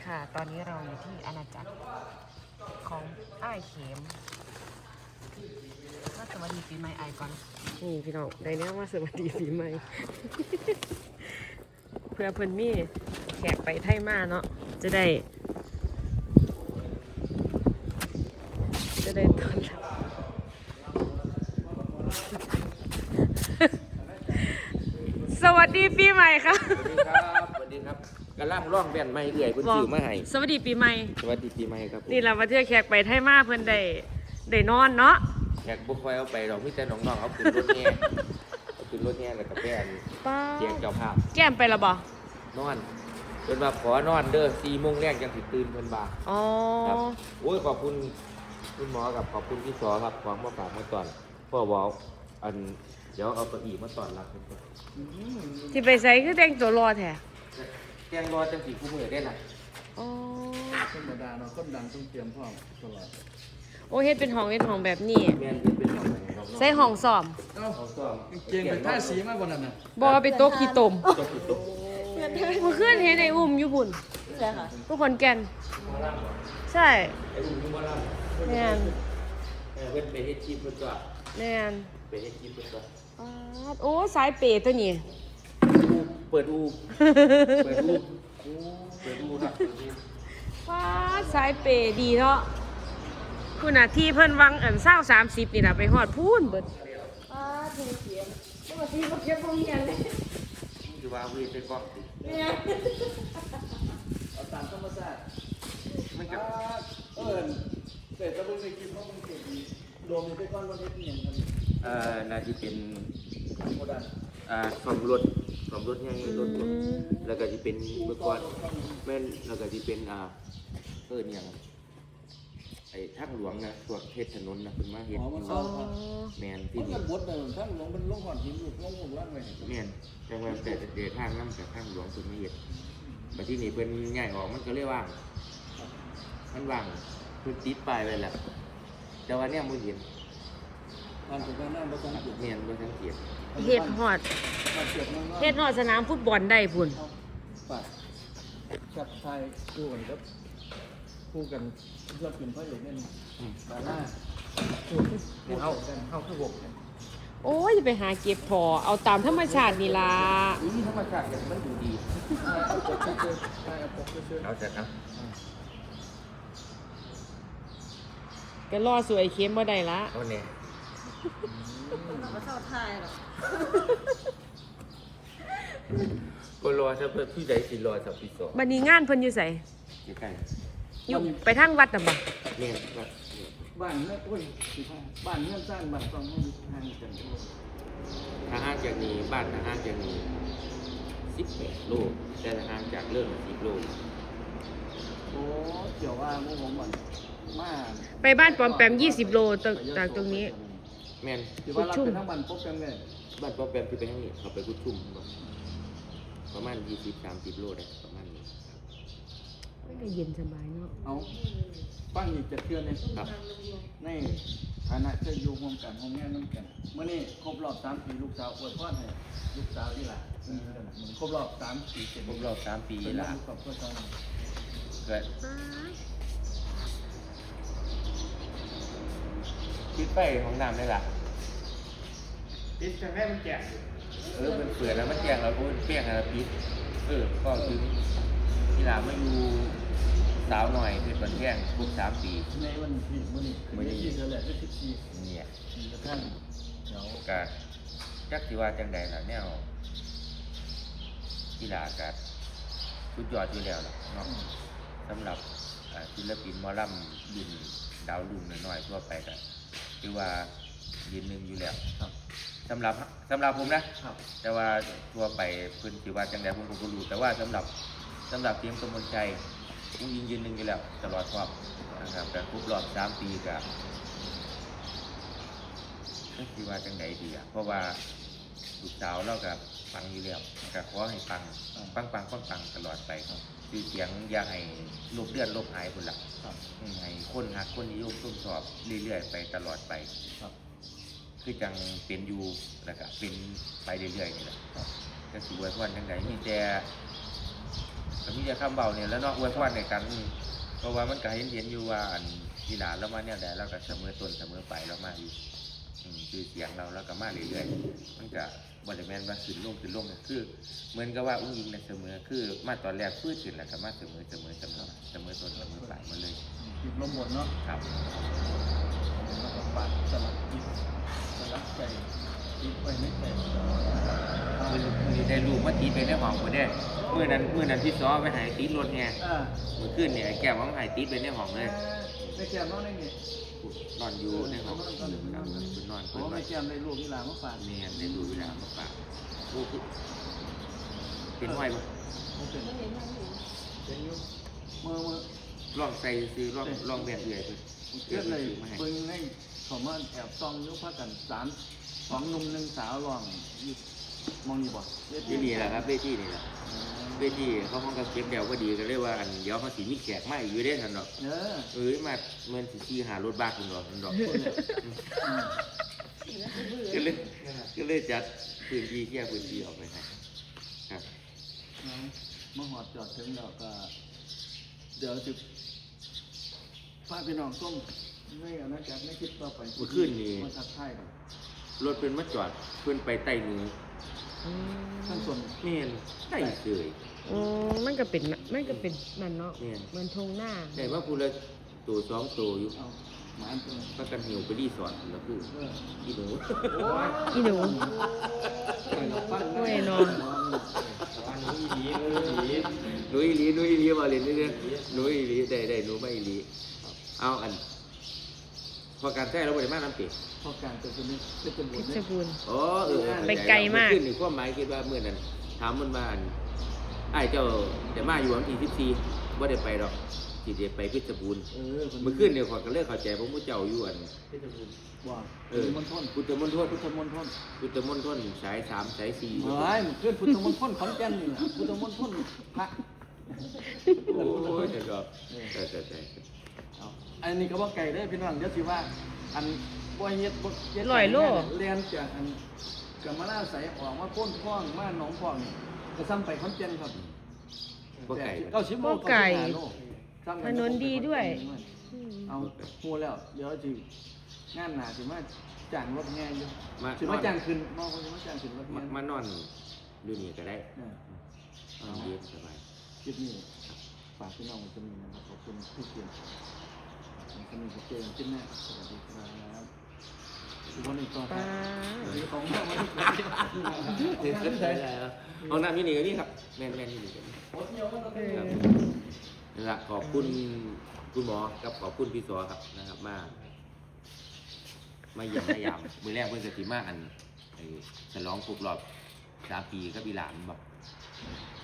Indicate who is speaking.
Speaker 1: ค่ะตอนนี้เราอยู่ที่อาณาจักรของอ้ายเข็มก็สวัสดีปีใหม่อ้ายก่อนนี่พี่น้องได้เนี้ยว่าสวัสดีปีใหม่ เพื่อเพิ่นมีแขกไปไทยมาเนาะจะได้ตอนรับ สวัสดีปีใหม่ค่ะ
Speaker 2: สวัสดีครับสวัสดีครับกำลังร้องแบนไม่เอื่อยเพิ่นซื้อมาให้
Speaker 1: สวัสดีปีใหม่
Speaker 2: สวัสดีปีใหม่ครับผม
Speaker 1: นี่เรามาเที่ยวแขกไปไทยมาเพิ่นได้นอนเนาะ
Speaker 2: แขกบ่ค่อยเอาไปดอกมีแต่น้องๆเอาขึ้นรถแห่เอาขึ้นรถแห่แล้วก็แป้น
Speaker 1: ป้า
Speaker 2: เสียงเจ้าภาพ
Speaker 1: แก้มไปและบ่
Speaker 2: นอนเพิ่นว่าขอนอนเด้อ4 โมงแรกจังสิตื่นเพิ่นว่า
Speaker 1: อ๋อ
Speaker 2: ครับโอ้ยขอบคุณคุณหมอกับขอบคุณพี่สอครับของมาฝากมาตอนพ่อบอกอันเดี๋ยวเอาเก้าอี้มาตอนรับเพิ่นก่อน
Speaker 1: ที่ไปใส่คือแต่งตัวรอแท้
Speaker 2: แจ้งรอจังสิคู่มื้อได้ล่ะ
Speaker 1: อ๋อ
Speaker 3: ธรรมดาเนาะคนดังต้องเตรียมพร้อมตลอด
Speaker 1: โอ้เฮ็ดเป็นห้องแบบนี้
Speaker 2: แม่นเพิ่นเป็นของไหนครับ
Speaker 1: ใส่ห้องซ้อม
Speaker 3: เอ้า
Speaker 2: เขาซ้อม
Speaker 3: เกงไปท่าสีมาบนนั้นน่ะ
Speaker 1: บ่เอาไปโต๊ะขี้ตม
Speaker 2: จบคือตก
Speaker 1: เมื่อคืนเห็นไอ้อุ้มอยู่บุ่นใช่ค่ะทุกคนแก่นใช่
Speaker 2: ไอ้อุ้มอยู่บ่ล่ะ
Speaker 1: แม่น
Speaker 2: เพิ่นไปเฮ็ดคลิปเพิ่นก็
Speaker 1: แม่น
Speaker 2: ไปเฮ็ดคลิปเพิ่นก็
Speaker 1: ป๊าดโอ้สายเปย์ตัวนี้
Speaker 2: เปิดอูเปิดอูเปิดอูครับเปิดอู
Speaker 1: ว้าสายเปย์ดีเนาะคุณน่ะที่เพิ่นวัง20-30นี่น่ะไปฮอดพูนเบิดป้าดูเสียงบ่ว่าสิบ่เก็บบ่เฮียนเลย
Speaker 2: คือว่าเวทไปก่อนสิ
Speaker 1: แม่
Speaker 3: เอาตามธรรมชาติ
Speaker 2: มันก็
Speaker 3: แต่ถ้าเบิ่งในคลิปเขาคงเก่งดีรวมอยู่ไปก่อนวันนี้เป็นหยังกัน
Speaker 2: น่าจะเป็น
Speaker 3: โมดัน
Speaker 2: ซ่อมรถใหญ่รถยนต์แล้วก็สิเป็นเมื่อก่อนแม่นแล้วก็สิเป็นหยังไอ้ทางหลวงนะพวกเทศถนนนะเพิ่นมาเฮ็ด
Speaker 3: อ๋อมัน
Speaker 1: อ๋
Speaker 3: ซ่
Speaker 1: อ
Speaker 3: อมครับ
Speaker 2: แม่น
Speaker 3: ที่
Speaker 2: ที่
Speaker 3: มั
Speaker 2: นี่
Speaker 3: นบดเลยท่านหลวงเป็นลงหอดหินอยู่ลงหงล่างไว้
Speaker 2: แม่นจังว่าแต่เดทางนำจากทางหลวงเพิ่นมาเฮ็ดบัดที่นี่เพิ่นย้ายออกมันก็เลยว่างมันว่างเพิ่นติดป้ายไว้แล้วแต่ว่าเนี่ยบ่เห็น
Speaker 3: มันเป็นการนั่งรถสังเกต
Speaker 2: แม่นบ่สังเกต
Speaker 1: เฮ็ดฮอด
Speaker 3: มาเก็บนั่ง
Speaker 1: เฮ็ดฮอดสนามฟุตบอลได้พุ่น
Speaker 3: ปากชัดไทยคู่กันครับคู่กันเลือกเป็นพระเอกเนี่ยดาราคู่
Speaker 2: เฮาคือ6เนี่ย
Speaker 1: โอ้ยจะไปหาเก็บพอเอาตามธรรมชาตินี่ล่ะ
Speaker 2: อุ้ยธรรมชาติเนี่ยมันดูดี
Speaker 3: ใช่ครับผมก็ชื่อ
Speaker 2: เอาเสร็จครับ
Speaker 1: ก็รอสวยเข้มบ่ได้ละ
Speaker 2: เอาเนี่ย
Speaker 1: บ่เท่าทายหรอก
Speaker 2: ก็รอซะเพื่อพี่ใดสิรอสับพี่สอง
Speaker 1: บัดนี้งานเพิ่นอยู่ไส
Speaker 2: ใกล้
Speaker 1: อยู่ไปทางวัดน่ะบ่
Speaker 2: ๆเนี่ยครับ
Speaker 3: บ้านเนี่ยโอ้ยบ้านเงื่อนสร้างบ้านต้องให้ทางกัน
Speaker 2: ถ้าห่างจากนี้บ้านถ้าห่างจากนี้18 โลแต่ถ้าห่างจากเรื่อง10 โล
Speaker 3: โอ้เกี่ยวว่ามุ้งผมมันมา
Speaker 1: ไปบ้านปอมแปม20 โลจากตรงนี้
Speaker 2: แม่น
Speaker 3: ที่ว่ารับเป็นทั้งบ้านพบกันเลย
Speaker 2: บ้านป้อมแปมที่ไปทางนี้เขาไปกุดชุ่มบ่ประมาณ20-30 โลได้ประมาณนี้
Speaker 1: มันก็เย็นสบายเนาะ
Speaker 3: เอาฟังอีกจะเชื่อเนี่ย
Speaker 2: ครับ
Speaker 3: ในฐานะจะอยู่ร่วมกันห้องแง่น้ำกันเมื่อนี้ครบรอบ3 ปีลูกสาวอวยพรให้ลูกสาวที่หลานครบรอบ3 ปีเสร็จ
Speaker 2: ครบรอบ3 ปี
Speaker 3: เป็น
Speaker 2: ละ
Speaker 3: ลูกกับพ่อเจ้า
Speaker 2: เกิดคิดไปของน้ำได้ล่ะ
Speaker 3: ปิดแต่แม่มันแก่
Speaker 2: มันเปิดแล้วมันแจ้งแล้วมันเปรี้ยงแล้วปิดก็คือกีฬาไม่อยู่สาวหน่อยคือมันแจ้งครบ3 ปี
Speaker 3: ในวันที่มื่อนี้ที่เธอแหละที่14
Speaker 2: เนี่ย
Speaker 3: กระทั่งเดี๋ยว
Speaker 2: กะจักสิว่าจังใดล่ะแนวกีฬากะสุดยอดอยู่แล้วล่ะเนาะสำหรับศิลปินหมอลำยืนดาวรุ่งน้อยๆทั่วไปก็คือว่ายืนหนึ่งอยู่แล้ว
Speaker 3: ครับ
Speaker 2: สำหรับผมนะครับ แต่ว่าทั่วไปเพิ่นสิว่าจังใดผมก็บ่รู้แต่ว่าสำหรับทีมกมลชัยผู้ยิงยืนหนึ่งอยู่แล้วตลอดรอบนะครับแต่ครบรอบ3 ปีก็สิว่าจังใดดีอ่ะเพราะว่าลูกสาวเราก็ฟังอยู่แล้วก็ขอให้ฟังตลอดไปคือเสียงอย่าให้ลบเลือนลบหายพุ่นล่ะ
Speaker 3: ครับ
Speaker 2: ให้คนฮักคนนิยมชมชอบเรื่อยๆไปตลอดไป
Speaker 3: ครับ
Speaker 2: คือจังเป็นอยู่แล้วก็เป็นไปเรื่อยๆนี่แหละก็สิอวยพรจังใดมีแต่ก็มีแต่คำเบาเนี่ยแล้วเนาะอวยพรในกันเพราะว่ามันก็เห็นอยู่ว่าอันที่หลานเรามาเนี่ยแต่เราก็เสมอต้นเสมอปลายเรามาอยู่คือเสียงเราแล้วก็มาเรื่อยๆมันก็บริเวณว่าขึ้นลงคือเหมือนกับว่าอุ้งยิงในเสมอคือมาตอนแรกฟื้นขึ้นแล้วก็มาเสมอต้นเสมอปลายมาเลย
Speaker 3: ติดลมบนเนาะ
Speaker 2: ครับ
Speaker 3: แล้วก็ปัดสลับจิตสลับใจจิตไปไม่ใจ
Speaker 2: มือได้รูปมาตีไปในห้องคนเด้เมื่อนั้นพี่ซ้อไปหายตีรถไง เมื่อคืนเนี่ยแก้วมันหายตีไปในห้องเลย
Speaker 3: ไม่แก้มน้องได้ไง
Speaker 2: นอนอยู่ในห้องครับคุณนอน
Speaker 3: โอ้ไม่แก้มได้ลูกที่หลานมาฝาก
Speaker 2: เมียได้ดูเวลามาฝากลูกเป็นห้อยปะ
Speaker 3: เป็นเป็นยุมือ
Speaker 2: ลองใส่ซื้อลองแบบเอื่อยไป
Speaker 3: เกิดเลยเพิ่งให้ผมว่าแอบซองยุพักกัน2 หนุ่ม1 สาวลองมองนี่บ่
Speaker 2: ที่นี่แหละครับเวทีนี่แหละเวทีเขาห้องกับเก็บเดี่ยวก็ดีก็เรียกว่าอันเดี๋ยวเขาสีมีแขกมาอีกอยู่ได้ทันดอกมาเมื่อสีหารถบ้าคุณดอกก็เลยจัดพื้นที่แยกพื้นที่ออกไปครับ
Speaker 3: มาหอดจอดถึงแล้วก็เดี๋ยวจะพาพี่น้องส้มไม่เอานะจ๊ะไม่คิดต่อไปมาทักทายกัน
Speaker 2: รถเป็นมาจอดเพื่อนไปไต่มือ
Speaker 3: ท่านส่วน
Speaker 2: เมียนไต่เฉย
Speaker 1: มันก็เป็นมันเนาะมันทงหน้า
Speaker 2: แต่ว่าพูดแล้วตัว2ตัวอยู่
Speaker 3: เอาหมาอันตัว
Speaker 2: ก็กันหิวไปรีสอร์ทแล้วคืออีหนู
Speaker 1: อีหนู
Speaker 3: โอ้ยนอน
Speaker 2: หนูอีหลีมาเล่นนี่เนี่ยหนูอีหลีได้หนูไม่อีหลีเอาอันพอการแท้เราบริมาน้ำเปรี้ยว
Speaker 3: พอการตัวนี้จะเป็นบุ
Speaker 1: พิ
Speaker 3: ญ
Speaker 1: ชรบูรณ์
Speaker 2: อ๋อ
Speaker 1: ไปไกลมาก
Speaker 2: ขึ้นนี่ความหมายคิดว่าเมื่อนั้นถามมันมาอันไอ้เจ้าจะมาอยู่วันที่14ว่าได้ไปดอกที่จะไปเพชรบูรณ์เมื่อคืนเนี่ยขอกันเลิกเข้าใจเพราะผู้เจ้าอยู่อัน
Speaker 3: เพชรบูรณ์ว่ามณฑล
Speaker 2: พุทธมณฑล
Speaker 3: พุทธมณฑล
Speaker 2: สาย3สาย4
Speaker 3: เฮ้ยเพื่อนพุทธมณฑลขอนแก่นนี่นะพุทธมณฑลพระ
Speaker 2: โอ้ยแต่ก็แต่
Speaker 3: อันนี้ก็ว่าไก่ได้พี่น้องเดี๋ยวสิว่าอันบ่เฮ็ดเรียนจากอันกับมาล่าใสออกมาโค่นคล้องมาหนองคล้องนี่ก็ซ้ำไปขอนแก่นครับ
Speaker 2: บ่ไก่
Speaker 3: 90 โล
Speaker 1: ถนนดีด้วย
Speaker 3: เอาฮู้แล้วเดี๋ยวสิงานหน้าสิมาจ้างรถแห่อยู่สิมาจ้างขึ้นมองสิมาจ้างขึ้นรถแห่
Speaker 2: มานอนอยู่นี่ก็ได้นอนเย็นสบาย
Speaker 3: คลิปนี้ฝากพี่น้องไว้ตรงนี้นะครับขอบคุณที่เกียรติสนิทกับเจมส์ขึ้นแน่สวัสดีครับทุกคนอีกต่อไปของแม่วันนี้
Speaker 2: ห้องน้ำที่นี่ก็นี่ครับแม่นที่นี่ก็นี่นั่นแหละขอบคุณคุณหมอกับขอบคุณพี่สอครับนะครับมาเยี่ยมมายามมือแรกเพื่อนสติมาอันฉลองครบรอบ3 ปีกับอีหลานบอก